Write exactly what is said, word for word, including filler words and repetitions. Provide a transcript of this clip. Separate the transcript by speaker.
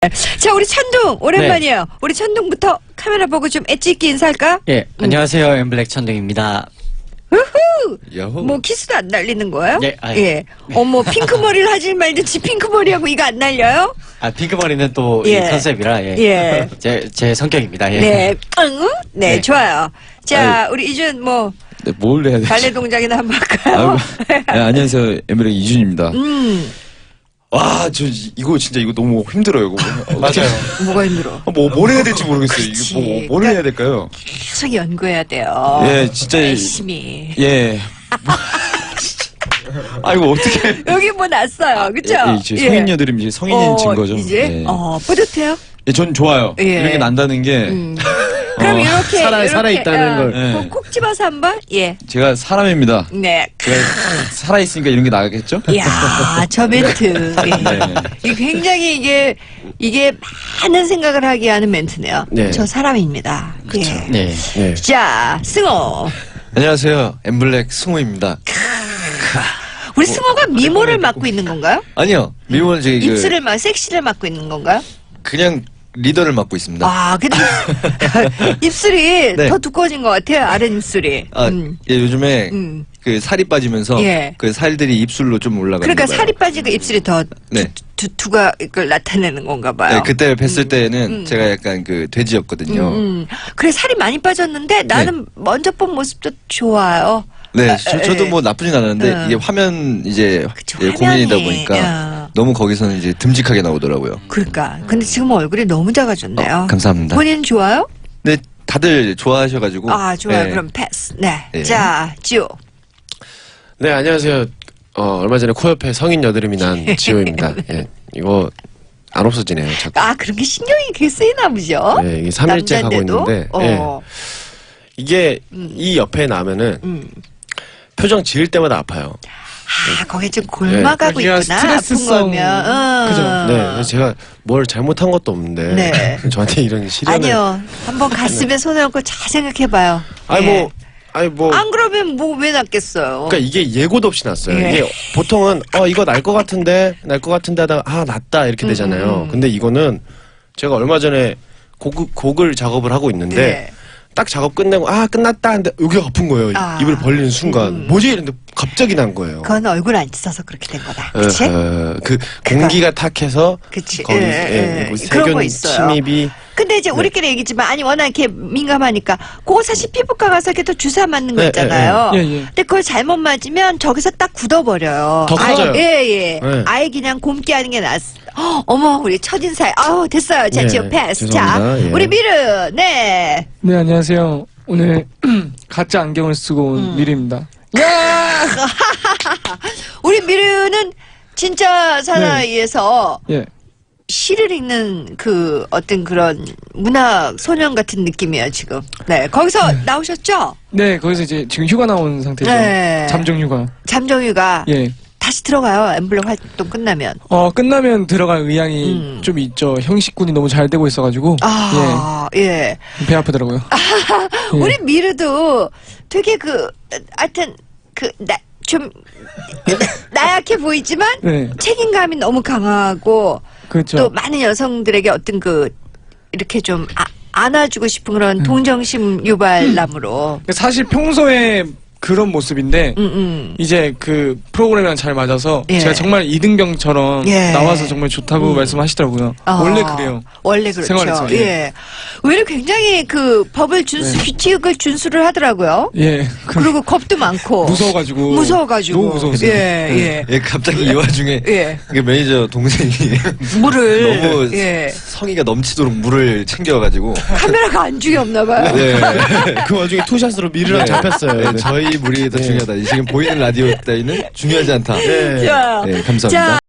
Speaker 1: 자, 우리 천둥 오랜만이에요. 네. 우리 천둥부터 카메라 보고 좀 엣지 있게 인사할까?
Speaker 2: 예,
Speaker 1: 음.
Speaker 2: 안녕하세요. 엠블랙 천둥입니다.
Speaker 1: 우후!
Speaker 3: 야호.
Speaker 1: 뭐 키스도 안 날리는 거예요?
Speaker 2: 네, 아유.
Speaker 1: 예. 어머, 핑크 머리를 하지 말든지 핑크 머리하고 이거 안 날려요?
Speaker 2: 아, 핑크머리는 또 이
Speaker 1: 예.
Speaker 2: 컨셉이라, 예.
Speaker 1: 예.
Speaker 2: 제, 제 성격입니다, 예.
Speaker 1: 네. 응? 네,
Speaker 2: 네.
Speaker 1: 좋아요. 자, 우리 이준 뭐
Speaker 3: 네, 뭘 해야 되지?
Speaker 1: 발레 동작이나 한번 할까요?
Speaker 3: 네, 안녕하세요. 엠블랙 이준입니다.
Speaker 1: 음,
Speaker 3: 와, 저 이- 이거 진짜 이거 너무 힘들어요. 이거.
Speaker 2: 맞아요.
Speaker 1: 뭐가 힘들어?
Speaker 3: 뭐, 뭘 해야 될지 모르겠어요.
Speaker 1: 그치.
Speaker 3: 이거 뭐, 뭘
Speaker 1: 그러니까-
Speaker 3: 해야 될까요?
Speaker 1: 계속 연구해야 돼요.
Speaker 3: 예, 진짜 이-
Speaker 1: 열심히.
Speaker 3: 예. 아, 이거 어떻게.
Speaker 1: 여기 뭐 났어요, 그쵸?
Speaker 3: 예, 이제 성인 여드름 이제 성인인
Speaker 1: 어,
Speaker 3: 증거죠.
Speaker 1: 이제?
Speaker 3: 예.
Speaker 1: 어, 뿌듯해요?
Speaker 3: 예, 전 좋아요.
Speaker 1: 예.
Speaker 3: 이렇게 난다는 게.
Speaker 1: 음. 그럼
Speaker 3: 어,
Speaker 1: 이렇게
Speaker 4: 살아-
Speaker 1: 이렇게,
Speaker 4: 살아있다는
Speaker 1: 어,
Speaker 4: 걸.
Speaker 3: 예.
Speaker 1: 콕, 콕 집어서 한번 예.
Speaker 3: 제가 사람입니다.
Speaker 1: 네.
Speaker 3: 제가 살아있으니까 이런 게 나겠죠?
Speaker 1: 이야, 저 멘트. 예.
Speaker 3: 네.
Speaker 1: 이게 굉장히 이게 이게 많은 생각을 하게 하는 멘트네요.
Speaker 4: 네.
Speaker 1: 저 사람입니다. 예.
Speaker 2: 네.
Speaker 4: 네.
Speaker 1: 자, 승호.
Speaker 5: 안녕하세요. 엠블랙 승호입니다.
Speaker 1: 우리 승호가 미모를 맡고 있는 건가요?
Speaker 5: 아니요. 미모는 저기 그
Speaker 1: 입술을 막 섹시를 맡고 있는 건가요?
Speaker 5: 그냥 리더를 맡고 있습니다.
Speaker 1: 아, 근데 입술이
Speaker 5: 네.
Speaker 1: 더 두꺼워진 것 같아요. 아랫 입술이.
Speaker 5: 아,
Speaker 1: 음.
Speaker 5: 예, 요즘에
Speaker 1: 음.
Speaker 5: 그 살이 빠지면서
Speaker 1: 예.
Speaker 5: 그 살들이 입술로 좀 올라가는
Speaker 1: 그러니까
Speaker 5: 거예요.
Speaker 1: 살이 빠지고 입술이 더
Speaker 5: 네.
Speaker 1: 두, 두가 이걸 나타내는 건가 봐요.
Speaker 5: 네, 그때 뵀을 때는
Speaker 1: 음.
Speaker 5: 제가 약간 그 돼지였거든요.
Speaker 1: 음, 음. 그래 살이 많이 빠졌는데 나는 먼저 본 모습도 좋아요.
Speaker 5: 네,
Speaker 1: 아,
Speaker 5: 저,
Speaker 1: 에,
Speaker 5: 저도
Speaker 1: 에.
Speaker 5: 뭐 나쁘진 않았는데
Speaker 1: 음.
Speaker 5: 이게 화면 이제
Speaker 1: 그쵸,
Speaker 5: 예, 고민이다
Speaker 1: 화면이,
Speaker 5: 보니까
Speaker 1: 야.
Speaker 5: 너무 거기서는 이제 듬직하게 나오더라고요.
Speaker 1: 그러니까. 근데 지금 얼굴이 너무 작아졌네요.
Speaker 5: 어, 감사합니다.
Speaker 1: 본인 좋아요?
Speaker 5: 네, 다들 좋아하셔가지고.
Speaker 1: 아 좋아요.
Speaker 5: 예.
Speaker 1: 그럼 패스. 네.
Speaker 5: 예.
Speaker 1: 자 지호.
Speaker 4: 네, 안녕하세요. 어, 얼마 전에 코 옆에 성인 여드름이 난 지호입니다. 예, 이거 안 없어지네요. 자꾸.
Speaker 1: 아 그런 게 신경이 그렇게 쓰이나 보죠.
Speaker 4: 네, 이게 삼 일째 가고
Speaker 1: 남잔데도?
Speaker 4: 있는데,
Speaker 1: 어.
Speaker 4: 이게 이 옆에 나면은
Speaker 1: 음.
Speaker 4: 표정 지을 때마다 아파요.
Speaker 1: 아 거기 좀 골마가고
Speaker 2: 여기가
Speaker 1: 있구나.
Speaker 2: 스트레스성.
Speaker 1: 아픈 거면. 어.
Speaker 2: 그죠?
Speaker 4: 네, 그래서 제가 뭘 잘못한 것도 없는데
Speaker 1: 네.
Speaker 4: 저한테 이런 시련을.
Speaker 1: 아니요. 한번 가슴에 손을 얹고 잘 생각해봐요.
Speaker 4: 아니
Speaker 1: 예.
Speaker 4: 뭐, 아니 뭐.
Speaker 1: 안 그러면 뭐 왜 낫겠어요.
Speaker 4: 그러니까 이게 예고도 없이 났어요.
Speaker 1: 예.
Speaker 4: 이게 보통은 어 이거 날 것 같은데 날 것 같은데 하다가 아 났다 이렇게 되잖아요.
Speaker 1: 음.
Speaker 4: 근데 이거는 제가 얼마 전에 곡, 곡을 작업을 하고 있는데
Speaker 1: 네.
Speaker 4: 딱 작업 끝내고 아 끝났다 하는데 여기가 아픈 거예요.
Speaker 1: 아.
Speaker 4: 입을 벌리는 순간
Speaker 1: 음.
Speaker 4: 뭐지 이랬는데 갑자기 난 거예요.
Speaker 1: 그건 얼굴 안 찢어서 그렇게 된 거다. 그치?
Speaker 4: 어, 어, 그 공기가 탁해서
Speaker 1: 그치.
Speaker 4: 거기
Speaker 1: 예,
Speaker 4: 예,
Speaker 1: 예.
Speaker 4: 그
Speaker 1: 그런 거
Speaker 4: 세균
Speaker 1: 있어요.
Speaker 4: 침입이
Speaker 1: 근데 이제 우리끼리 얘기지만 아니 워낙 이렇게 민감하니까 그거 사실 피부과 가서 이렇게 또 주사 맞는 거
Speaker 4: 네,
Speaker 1: 있잖아요.
Speaker 2: 예, 예.
Speaker 1: 근데 그걸 잘못 맞으면 저기서 딱 굳어버려요.
Speaker 4: 더
Speaker 1: 아예-
Speaker 4: 커져요.
Speaker 1: 예, 예.
Speaker 4: 네.
Speaker 1: 아예 그냥 곰게 하는 게 낫. 어, 어머 우리 첫인사에 아우 됐어요. 자
Speaker 4: 네,
Speaker 1: 지금 패스. 자
Speaker 4: 죄송합니다. 예.
Speaker 1: 우리 미르 네.
Speaker 6: 네, 안녕하세요. 오늘 가짜 안경을 쓰고 온
Speaker 1: 음.
Speaker 6: 미리입니다.
Speaker 1: 우리 미르는 진짜 사나이에서
Speaker 6: 예.
Speaker 1: 시를 읽는 그 어떤 그런 문학 소년 같은 느낌이에요 지금. 네 거기서 나오셨죠?
Speaker 6: 네, 거기서 이제 지금 휴가 나온 상태죠.
Speaker 1: 네.
Speaker 6: 잠정 휴가.
Speaker 1: 잠정유가
Speaker 6: 예.
Speaker 1: 다시 들어가요. 엠블랙 활동 끝나면.
Speaker 6: 어, 끝나면 들어갈 의향이
Speaker 1: 음.
Speaker 6: 좀 있죠. 형식군이 너무 잘 되고 있어가지고.
Speaker 1: 아, 예.
Speaker 6: 예. 배 아프더라고요. 예.
Speaker 1: 우리 미르도 되게 그, 하여튼, 그, 나, 좀, 나약해 보이지만,
Speaker 6: 네.
Speaker 1: 책임감이 너무 강하고,
Speaker 6: 그렇죠.
Speaker 1: 또 많은 여성들에게 어떤 그, 이렇게 좀, 아, 안아주고 싶은 그런
Speaker 6: 음.
Speaker 1: 동정심 유발남으로.
Speaker 6: 사실 평소에 그런 모습인데,
Speaker 1: 음, 음.
Speaker 6: 이제 그 프로그램이랑 잘 맞아서
Speaker 1: 예.
Speaker 6: 제가 정말 이등병처럼
Speaker 1: 예.
Speaker 6: 나와서 정말 좋다고
Speaker 1: 음.
Speaker 6: 말씀하시더라고요.
Speaker 1: 아,
Speaker 6: 원래 그래요.
Speaker 1: 원래 그렇죠.
Speaker 6: 생활에서, 예.
Speaker 1: 예. 오히려 굉장히 그 법을 준수,
Speaker 6: 네.
Speaker 1: 규칙을 준수를 하더라고요.
Speaker 6: 예. 그,
Speaker 1: 그리고 겁도 많고.
Speaker 6: 무서워가지고.
Speaker 1: 무서워가지고.
Speaker 6: 너무 무서웠어요.
Speaker 1: 예,
Speaker 6: 네.
Speaker 1: 예.
Speaker 5: 예, 갑자기 이 와중에
Speaker 1: 예.
Speaker 5: 그 매니저 동생이
Speaker 1: 물을.
Speaker 5: 너무
Speaker 1: 예.
Speaker 5: 성의가 넘치도록 물을 챙겨가지고
Speaker 1: 카메라가 안중이 없나 봐요.
Speaker 5: 네.
Speaker 4: 그 와중에 투샷으로 미르랑 잡혔어요.
Speaker 5: 네, 저희 물이 더 중요하다. 지금 보이는 라디오 따위는 중요하지 않다.
Speaker 4: 네.
Speaker 1: 자,
Speaker 5: 네, 감사합니다.
Speaker 1: 자,